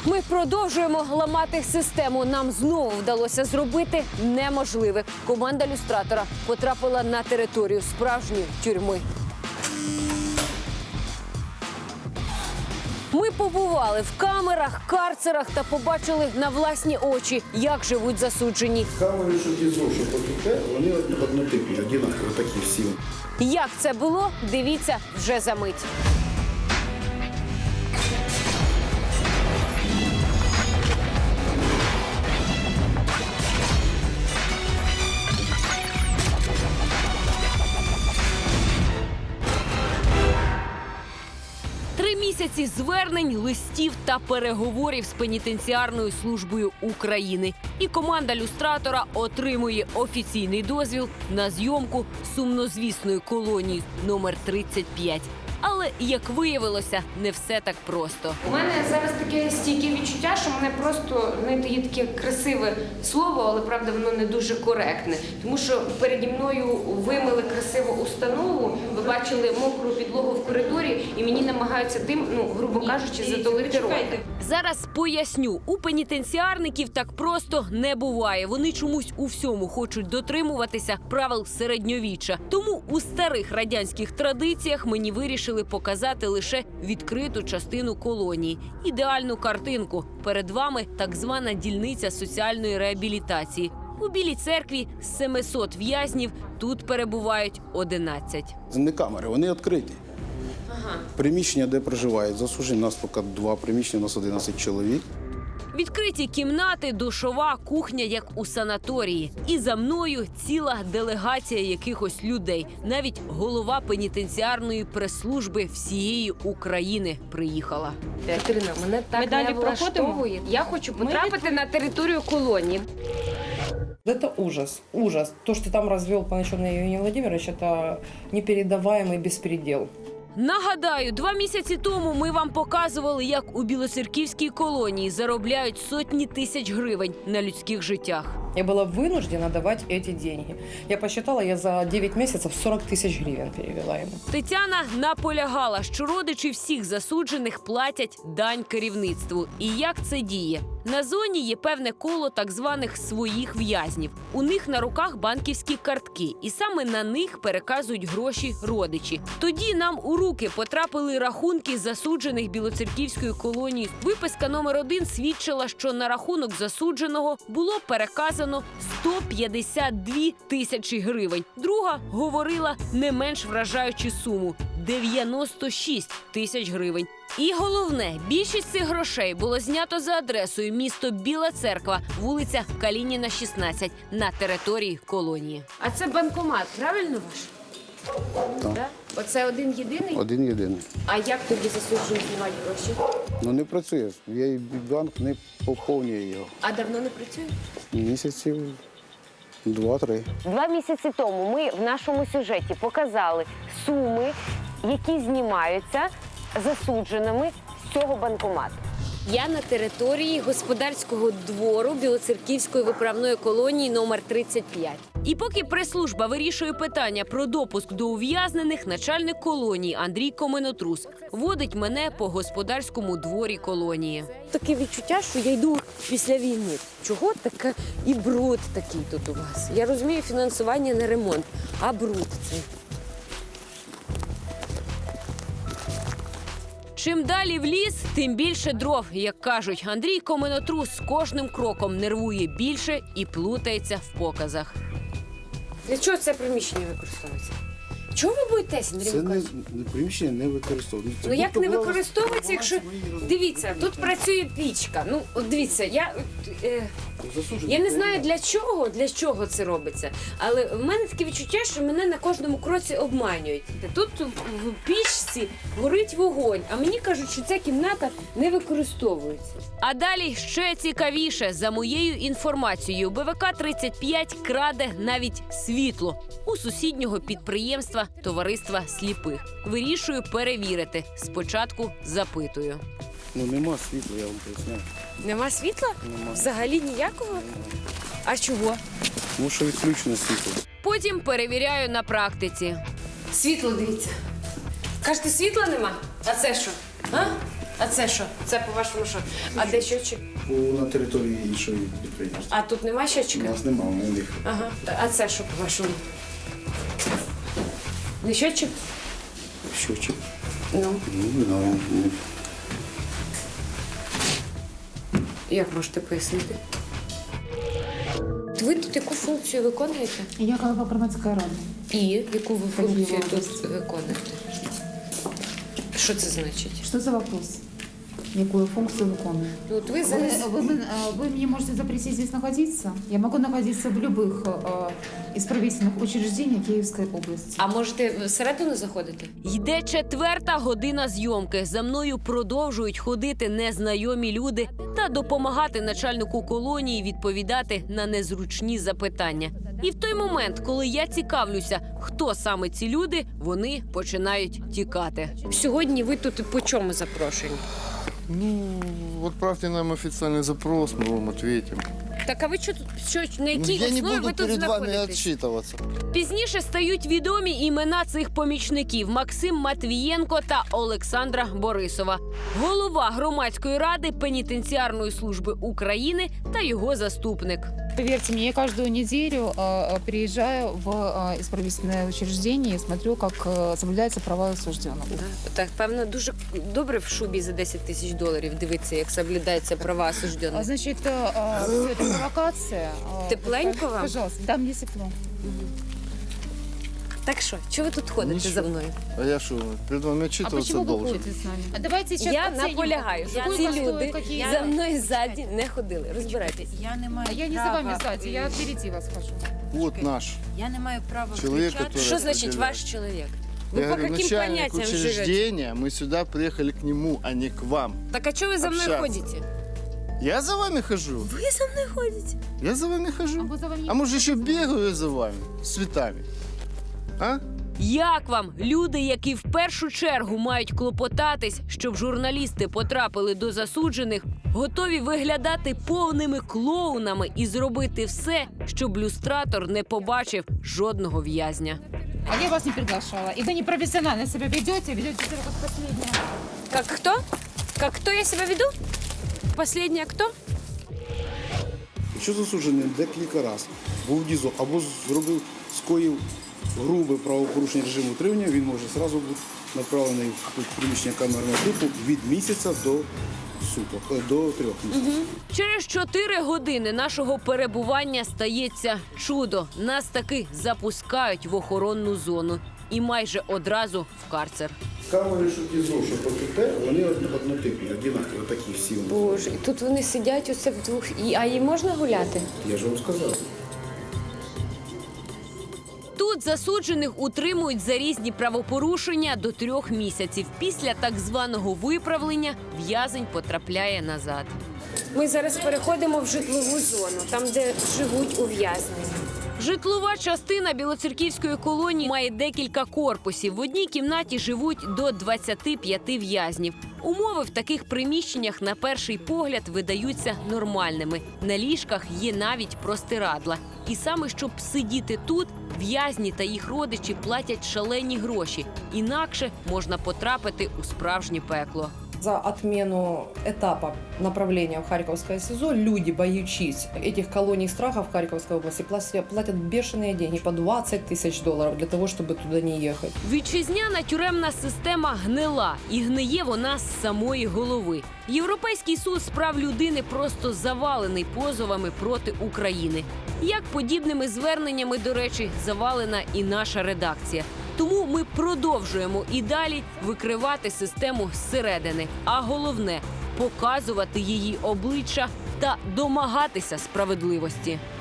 Ми продовжуємо ламати систему. Нам знову вдалося зробити неможливе. Команда люстратора потрапила на територію справжньої тюрми. Ми побували в камерах, карцерах та побачили на власні очі, як живуть засуджені. Камери, що ті зовсім потухе, вони однотипні, однакові, такі всі. Як це було, дивіться вже за мить. Місяці звернень, листів та переговорів з пенітенціарною службою України. І команда люстратора отримує офіційний дозвіл на зйомку сумнозвісної колонії номер 35. Але, як виявилося, не все так просто. У мене зараз таке стійке відчуття, що мене просто, знаєте, є таке красиве слово, але, правда, воно не дуже коректне. Тому що переді мною вимили красиву установу, ви бачили мокру підлогу в коридорі, і мені намагаються тим, грубо кажучи, затулити рот. Зараз поясню. У пенітенціарників так просто не буває. Вони чомусь у всьому хочуть дотримуватися правил середньовіччя. Тому у старих радянських традиціях мені вирішили показати лише відкриту частину колонії. Ідеальну картинку. Перед вами так звана дільниця соціальної реабілітації. У Білій церкві з 700 в'язнів тут перебувають 11. Це не камери, вони відкриті. Приміщення, де проживають засуджені, у нас поки 2 приміщення, у нас 11 чоловік. Відкриті кімнати, душова, кухня, як у санаторії. І за мною ціла делегація якихось людей. Навіть голова пенітенціарної прес-служби всієї України приїхала. Катерина, мене так не влаштовує. Я хочу потрапити на територію колонії. Это ужас, ужас. То, что там развел Панайчук Евгений Владимирович, это непередаваемый беспредел. Нагадаю, 2 місяці тому ми вам показували, як у білоцерківській колонії заробляють сотні тисяч гривень на людських життях. Я была вынуждена давать эти деньги. Я посчитала, я за 9 месяцев 40 тысяч гривен перевела ему. Тетяна наполягала, що родичі всіх засуджених платять дань керівництву. І як це діє? На зоні є певне коло так званих своїх в'язнів. У них на руках банківські картки, і саме на них переказують гроші родичі. Тоді нам у руки потрапили рахунки засуджених білоцерківської колонії. Виписка номер 1 свідчила, що на рахунок засудженого було переказано 152 тисячі гривень. Друга говорила не менш вражаючу суму – 96 тисяч гривень. І головне, більшість цих грошей було знято за адресою місто Біла Церква, вулиця Калініна, 16, на території колонії. А це банкомат, правильно ваш? Так. Да? Оце один єдиний? Один єдиний. А як тоді засуджені знімають гроші? Не працює. Банк не поповнює його. А давно не працює? Місяців 2-3. 2 місяці тому ми в нашому сюжеті показали суми, які знімаються засудженими з цього банкомату. Я на території господарського двору Білоцерківської виправної колонії номер 35. І поки прес-служба вирішує питання про допуск до ув'язнених, начальник колонії Андрій Коменотрус водить мене по господарському дворі колонії. Таке відчуття, що я йду після війни. Чого таке і бруд такий тут у вас? Я розумію, фінансування не ремонт, а бруд цей. Чим далі в ліс, тим більше дров, як кажуть. Андрій Коменотрус з кожним кроком нервує більше і плутається в показах. Для чого це приміщення використовується? Чого ви боїтесь, Андрій Це Миколаївич? приміщення не використовується. Ну як не використовується, якщо... Дивіться, тут працює пічка. Ну, от дивіться, я не знаю для чого це робиться. Але в мене таке відчуття, що мене на кожному кроці обманюють. Тут в пічці горить вогонь, а мені кажуть, що ця кімната не використовується. А далі ще цікавіше. За моєю інформацією, БВК-35 краде навіть світло у сусіднього підприємства Товариства сліпих. Вирішую перевірити. Спочатку запитую. Нема світла, я вам поясняю. Нема світла? Нема. Взагалі ніякого? А чого? Тому що відключене світло. Потім перевіряю на практиці. Світло, дивіться. Кажете, світла нема? А це що? А? А це що? Це по-вашому що? А де щотчик? На території іншої підприємства. А тут нема У щотчика? нас немає, у них. Ага. А це що по-вашому? Не щотчик? Щочик. Ну, Не знаю. як можете пояснити? Ви тут яку функцію виконуєте? Я голова громадської ради. І яку ви функцію Поділа. тут виконуєте? Що це значить? Що за вопрос? Яку функцію виконую? Ну, от ви зараз... Вы мне можете запретить здесь находиться. Я могу находиться в любых исправительных учреждениях Киевской области. А можете всередину заходити? Йде 4-та година зйомки. За мною продовжують ходити незнайомі люди та допомагати начальнику колонії відповідати на незручні запитання. І в той момент, коли я цікавлюся, хто саме ці люди, вони починають тікати. Сьогодні ви тут по чому запрошені? Ну, отправьте нам официальный запрос, мы вам ответим. Так а ви на якій Я не основі ви буду тут перед вами знаходитесь? отчитываться. Пізніше стають відомі імена цих помічників: Максим Матвієнко та Олександра Борисова, голова громадської ради пенітенціарної служби України та його заступник. Поверьте мне, я каждую неделю приезжаю в исправительное учреждение и смотрю, как соблюдаются права осужденных. Так, певно, дуже добре в шубі за 10 тисяч доларів дивитися, як соблюдаються права осуждених. Значит, все это провокация. Тепленько вам? Пожалуйста, да, мне тепло. Так що, чого ви тут ходите Нічого. за мною? А я что, перед вами А отчитываться почему вы должен? ходите с нами? А давайте сейчас Я оценим. наполягаю, що Сколько ці стоит, люди какие- за мною ззаді не ходили. Розбирайтесь. Я не маю А я не за права, вами сзади, я впереди вас хожу. Вот наш. Я не маю права Чоловік, включати. который- Що значить розподіляє. ваш чоловік? Ви Я по говорю, яким начальник поняттям живете? учреждения, мы сюда приехали к нему, а не к вам. Так а чого ви за мною Общаться. ходите? Я за вами хожу. Ви за мною ходите? Я за вами А хожу. мы за вами не А может еще бегаю за вами с цветами? А? Як вам люди, які в першу чергу мають клопотатись, щоб журналісти потрапили до засуджених, готові виглядати повними клоунами і зробити все, щоб люстратор не побачив жодного в'язня? А я вас не приглашала. И вы непрофессионально себя ведете себя как последняя. Как кто? Как кто я себе веду? Последняя кто? Якщо засуджений декілька разів був в ДІЗО або скоїв грубе правопорушення режиму утримання, він може одразу бути направлений в приміщення камерного типу від місяця до суток, до 3 місяців. Через 4 години нашого перебування стається чудо. Нас таки запускають в охоронну зону і майже одразу в карцер. Камери, що ДІЗО, що ПКТ, вони однотипні, однакові, такі всі. Боже, і тут вони сидять оце вдвох. А їм можна гуляти? Я ж вам сказав. Тут засуджених утримують за різні правопорушення до 3 місяців. Після так званого виправлення в'язень потрапляє назад. Ми зараз переходимо в житлову зону, там, де живуть ув'язнені. Житлова частина Білоцерківської колонії має декілька корпусів. В одній кімнаті живуть до 25 в'язнів. Умови в таких приміщеннях на перший погляд видаються нормальними. На ліжках є навіть простирадла. І саме щоб сидіти тут, в'язні та їх родичі платять шалені гроші. Інакше можна потрапити у справжнє пекло. За отмену этапа направления в Харьковское СИЗО люди, боючись этих колоний страха в Харьковской области, платят бешеные деньги, по 20 тысяч долларов для того, чтобы туда не ехать. Вітчизняна тюремна система гнила, і гниє вона з самої голови. Європейський суд з прав людини просто завалений позовами проти України. Як подібними зверненнями, до речі, завалена і наша редакція. Тому ми продовжуємо і далі викривати систему зсередини. А головне – показувати її обличчя та домагатися справедливості.